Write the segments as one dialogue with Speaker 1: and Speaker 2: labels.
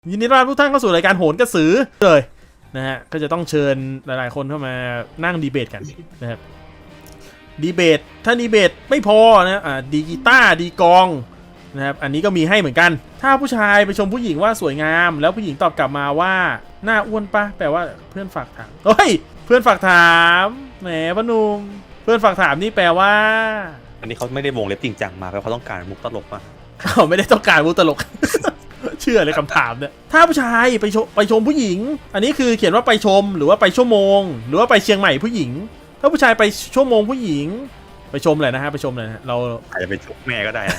Speaker 1: ยินดีต้อนรับทุกท่านเข้าสู่รายการโหนกระสือเลยนะฮะก็จะต้องเชิญหลายๆคนเข้ามานั่งดีเบตกันนะครับดีเบตถ้าดีเบตไม่พอนะดีกีตาร์ดีกองนะครับอันนี้ก็มีให้เหมือนกันถ้าผู้ชายไปชมผู้หญิงว่าสวยงามแล้วผู้หญิงตอบกลับมาว่าหน้าอ้วนปะแปลว่าเพื่อนฝากถามเฮ้ยเพื่อนฝากถามแหมพนุ่มเพื่อนฝากถามนี่แปลว่า
Speaker 2: อันนี้เขาไม่ได้วงเล็บจริงจังมาเพราะเขาต้องการมุกตลกมา
Speaker 1: เขาไม่ได้ต้องการมุกตลก เชื่อเลยคำถามเนี่ยถ้าผู้ชายไปชมผู้หญิงอันนี้คือเขียนว่าไปชมหรือว่าไปชั่วโมงหรือว่าไปเชียงใหม่ผู้หญิงถ้าผู้ชายไปชั่วโมงผู้หญิงไปชมเลยนะฮะไปชมเลยนะเรา
Speaker 2: อาจจะเป็นชกแม่ก็ได้นะ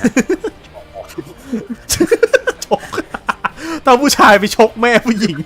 Speaker 1: ชกถ้าผู้ชายไปชกแม่ผู้หญิง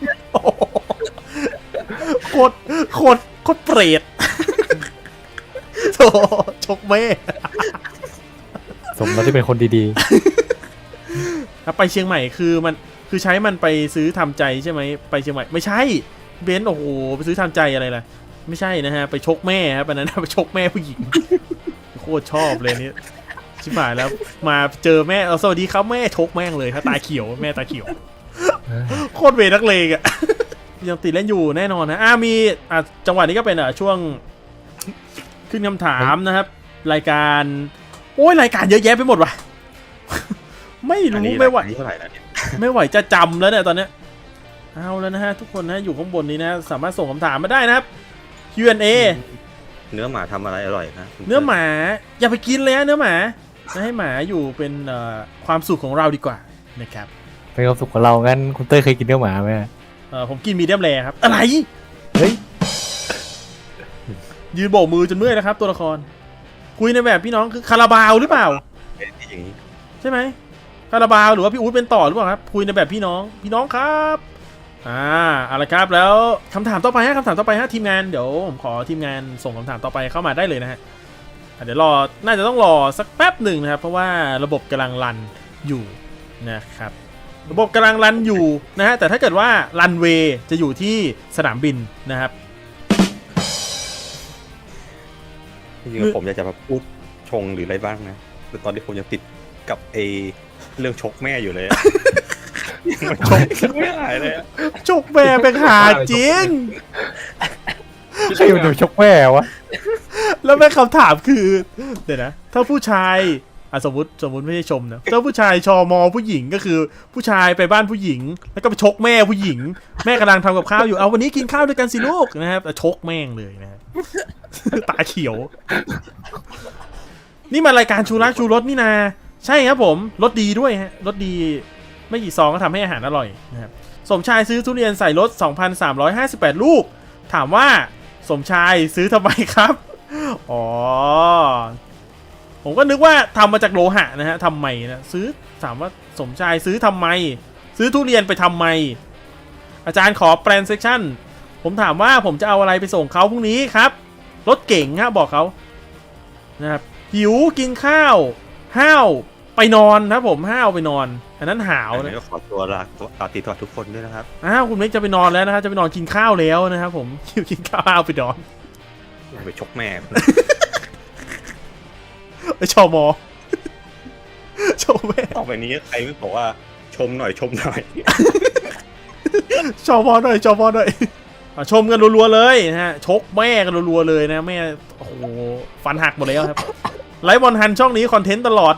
Speaker 1: โคตรเปรตโธ่ชกแม่
Speaker 3: สมแล้วที่เป็นคนดี
Speaker 1: ๆถ้าไปเชียงใหม่คือใช้มันไปซื้อทำใจใช่ไหมไปเชียงใหม่ไม่ใช่เบนซ์โอ้โหไปซื้อทำใจอะไรล่ะไม่ใช่นะฮะไปชกแม่ครับอันนั้นไปชกแม่ผู้หญิงโคตรชอบเลยนี่ชิบหายแล้วมาเจอแม่สวัสดีครับแม่ชกแม่งเลยถ้าตาเขียวแม่ตาเขียวโคตรเวนักเลงอ่ะยังติดเล่นอยู่แน่นอนนะมีจังหวะนี้ก็เป็นช่วงขึ้นคำถามนะครับรายการโอ้ยรายการเยอะแยะไปหมดว่ะไม่รู้ไม่ไหวไม่ไหวจะจำแล้วเนี่ยตอนเนี้ยเอาแล้วนะฮะทุกคนนะอยู่ข้างบนนี้นะสามารถส่งคำถามมาได้นะครับ Q&A
Speaker 2: เนื้อหมาทำอะไรอร่อยนะ
Speaker 1: เนื้อหมาอย่าไปกินเลยนะเนื้อหมาให้หมาอยู่เป็นความสุขของเราดีกว่านะครับ
Speaker 3: เป็นความสุขของเรางั้นคุณเต้ยเคยกินเนื้อหมาไหม
Speaker 1: ผมกินมีเดียมแรครับอะไร
Speaker 3: เฮ้ย
Speaker 1: ยืนโบกมือจนเมื่อยแล้วครับตัวละครคุยในแบบพี่น้องคือคาราบาวหรือเปล่าใช่ไหมคาราบาวหรือว่าพี่อู๊ดเป็นต่อหรือเปล่าครับคุยในแบบพี่น้องครับอะไรครับแล้วคำถามต่อไปฮะทีมงานเดี๋ยวผมขอทีมงานส่งคำถามต่อไปเข้ามาได้เลยนะฮะเดี๋ยวน่าจะต้องรอสักแป๊บหนึ่งนะครับเพราะว่าระบบกำลังรันอยู่นะครับระบบกำลังรันอยู่นะฮะแต่ถ้าเกิดว่ารันเวย์จะอยู่ที่สนามบินนะครับ
Speaker 2: จริงๆผมอยากจะมาพูดชงหรืออะไรบ้างนะแต่ตอนที่ผมยังติดกับเรื่องชกแม่อยู่เลยชกไม่หายเลย
Speaker 1: ชกแม่เป็นหาจริง
Speaker 3: ใครมันดูชกแม่วะ
Speaker 1: แล้วแม่คำถามคือเดี๋ยวนะถ้าผู้ชายสมมติไม่ใช่ชมนะถ้าผู้ชายชมผู้หญิงก็คือผู้ชายไปบ้านผู้หญิงแล้วก็ไปชกแม่ผู้หญิงแม่กำลังทำกับข้าวอยู่เอาวันนี้กินข้าวด้วยกันสิลูกนะครับชกแม่งเลยนะครับตาเขียวนี่มารายการชูรักชูรสนี่นาใช่ครับผมรสดีด้วยฮะรสดีไม่กี่ซองก็ทำให้อาหารอร่อยนะครับสมชายซื้อทุเรียนใส่รถ 2,358 ลูกถามว่าสมชายซื้อทำไมครับอ๋อผมก็นึกว่าทำมาจากโลหะนะฮะทำไมนะซื้อถามว่าสมชายซื้อทำไมซื้อทุเรียนไปทำไมอาจารย์ขอแปลนเซสชั่นผมถามว่าผมจะเอาอะไรไปส่งเขาพรุ่งนี้ครับรถเก่งฮะบอกเขานะครับหิวกินข้าวห้าวไปนอนนะผมห้าวไปนอนอันนั้นหาวนะ
Speaker 2: ขอตัวลาติดต่อทุกคนด้วยนะครับ
Speaker 1: คุณเม็กจะไปนอนแล้วนะครับจะไปนอนกินข้าวแล้วนะครับผมกินข้าวห้าวไปนอน
Speaker 2: ไปชกแม่
Speaker 1: ไปชมแม่
Speaker 2: ต่อไปนี้ใครไม่บอกว่าชมหน่อยชมหน่อย
Speaker 1: ชมหน่อยชมกันรัวๆเลยนะฮะชกแม่กันรัวๆเลยนะแม่โอ้โหฟันหักหมดแล้วครับไลฟ์บอลฮันช่องนี้คอนเทนต์ตลอด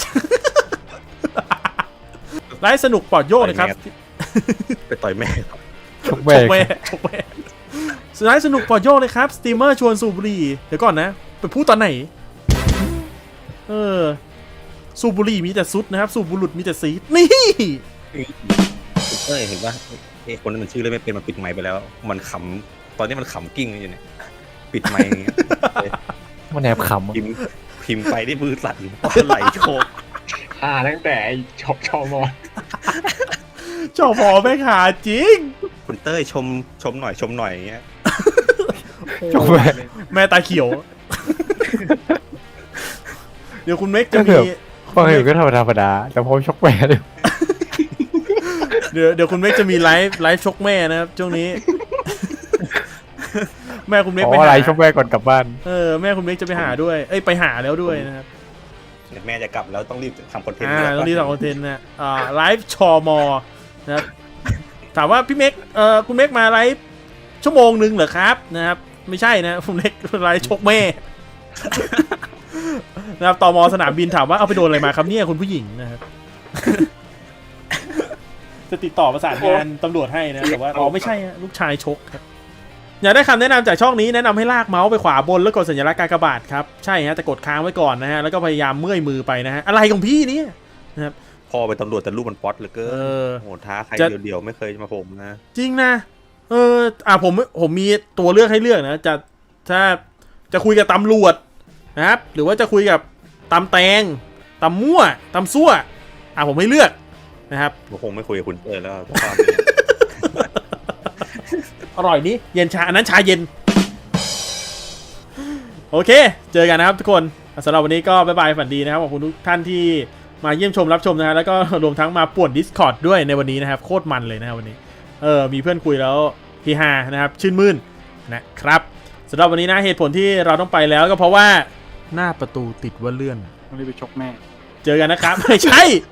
Speaker 1: ไลฟ์สนุกปลอดโยกนะครับ
Speaker 2: ไปต่อยแม่
Speaker 3: ชกแม่
Speaker 1: ไลฟ์สนุกปลอดโยกเลยครับสตรีมเมอร์ชวนสูบบุหรี่เดี๋ยวก่อนนะไปพูดตอนไหนสูบบุหรี่มีแต่ซุดนะครับสูบบุหรี่มีแต่ซีดนี่
Speaker 2: เห็นว่าคนนั้นมันชื่อเลยไม่เป็นมันปิดไมค์ไปแล้วมันขำตอนนี้มันขำกิ้งอยู่เนี่ยปิดไมค์
Speaker 3: มันแอบขำ
Speaker 2: พิมพ์ไปได้มือสั่นไหลโชก
Speaker 3: ตั้งแต่ชม
Speaker 1: ไม่ขาจริง
Speaker 2: คุณเต้ยชมหน่อยอย่างเงี้ย
Speaker 3: ชม
Speaker 1: แม่ตาเขียวเดี๋ยวคุณเม็กจะมี
Speaker 3: ฟังอยู่ก็ธรรมดาแต่พอชกแม่เลย
Speaker 1: เดี๋ยวคุณเม็กจะมีไลฟ์ชกแม่นะครับช่วงนี้แม่คุณเม็กไปหา
Speaker 3: ชกแม่ก่อนกลับบ้าน
Speaker 1: แม่คุณเม็กจะไปหาด้วยไปหาแล้วด้วยนะครับ
Speaker 2: แม่จะกลับแล้วต้องรีบทำคอนเทนต์
Speaker 1: ต้องรีบทำคอนเทนต์นะไลฟ์ชมนะครับถามว่าพี่เม็กคุณเม็กมาไลฟ์ชั่วโมงนึงเหรอครับนะครับไม่ใช่นะคุณเม็กไลฟ์ชกแม่ นะครับตม.สนามบินถามว่าเอาไปโดนอะไรมาครับเนี่ยคุณผู้หญิงนะครับ จะติดต่อประสานงานตำรวจให้นะแต่ว่าอ๋อไม่ใช่ฮะลูกชายชกครับอยากได้คำแนะนำจากช่องนี้แนะนำให้ลากเมาส์ไปขวาบนแล้วกดสัญลักษณ์กากบาทครับใช่ฮะแต่กดค้างไว้ก่อนนะฮะแล้วก็พยายามเมื่อยมือไปนะฮะอะไรของพี่เนี่ยนะครับ
Speaker 2: พอไปตำรวจแต่รูปมันป๊อตเหลือเกิน
Speaker 1: เออ
Speaker 2: โหท้าใคร
Speaker 1: จะ
Speaker 2: เดียวๆไม่เคยมาผมนะ
Speaker 1: จริงนะผมมีตัวเลือกให้เลือกนะถ้าจะคุยกับตำรวจนะครับหรือว่าจะคุยกับตำแตงตำมั่วตำซั่วผมให้เลือกนะครับ
Speaker 2: ผมคงไม่คุยกับคุณเต้ยแล้วตอน
Speaker 1: อร่อยนี่เย็นชาอันนั้นชาเย็นโอเคเจอกันนะครับทุกคนสำหรับวันนี้ก็บ๊ายบายฝันดีนะครับขอบคุณทุกท่านที่มาเยี่ยมชมรับชมนะฮะแล้วก็รวมทั้งมาป่วน Discord ด้วยในวันนี้นะครับโคตรมันเลยนะครับวันนี้มีเพื่อนคุยแล้วฮีฮานะครับชื่นมื่นนะครับสำหรับวันนี้นะเหตุผลที่เราต้องไปแล้วก็เพราะว่าหน้าประตูติดว่าเลื่อน
Speaker 3: ต้องรีบไปชกแม่
Speaker 1: เจอกันนะครับ ไม่ใช่